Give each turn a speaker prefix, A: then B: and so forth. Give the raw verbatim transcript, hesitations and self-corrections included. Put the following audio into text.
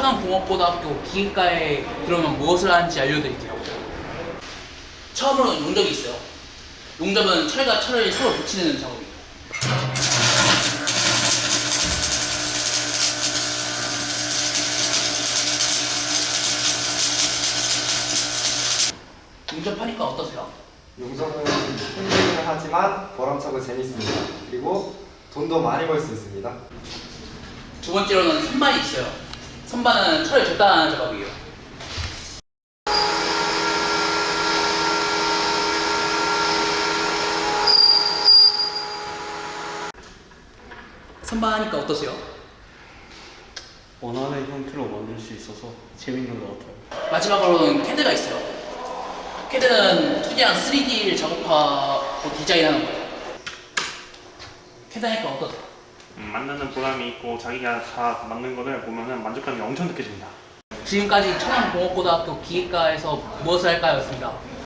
A: 천안공업고등학교 기계과에 들어오면 무엇을 하는지 알려드릴게요. 처음으로 용접이 있어요. 용접은 철과 철을 서로 붙이는 작업이에요. 용접하니까 어떠세요?
B: 용접은 힘들긴 하지만 보람차고 재밌습니다. 그리고 돈도 많이 벌 수 있습니다.
A: 두 번째로는 선반이 있어요. 선반은 철을 절단하는 작업이에요. 선반하니까 어떠세요?
C: 원하는 형태로 만들 수 있어서 재밌는 것 같아요.
A: 마지막으로는 캐드가 있어요. 캐드는 투디랑 쓰리디를 작업하고 디자인하는 거예요. 캐드 하니까 어떠세요?
D: 음, 만드는 보람이 있고 자기가 다 만든 거를 보면은 만족감이 엄청 느껴집니다.
A: 지금까지 천안공업고등학교 기계과에서 무엇을 할까였습니다.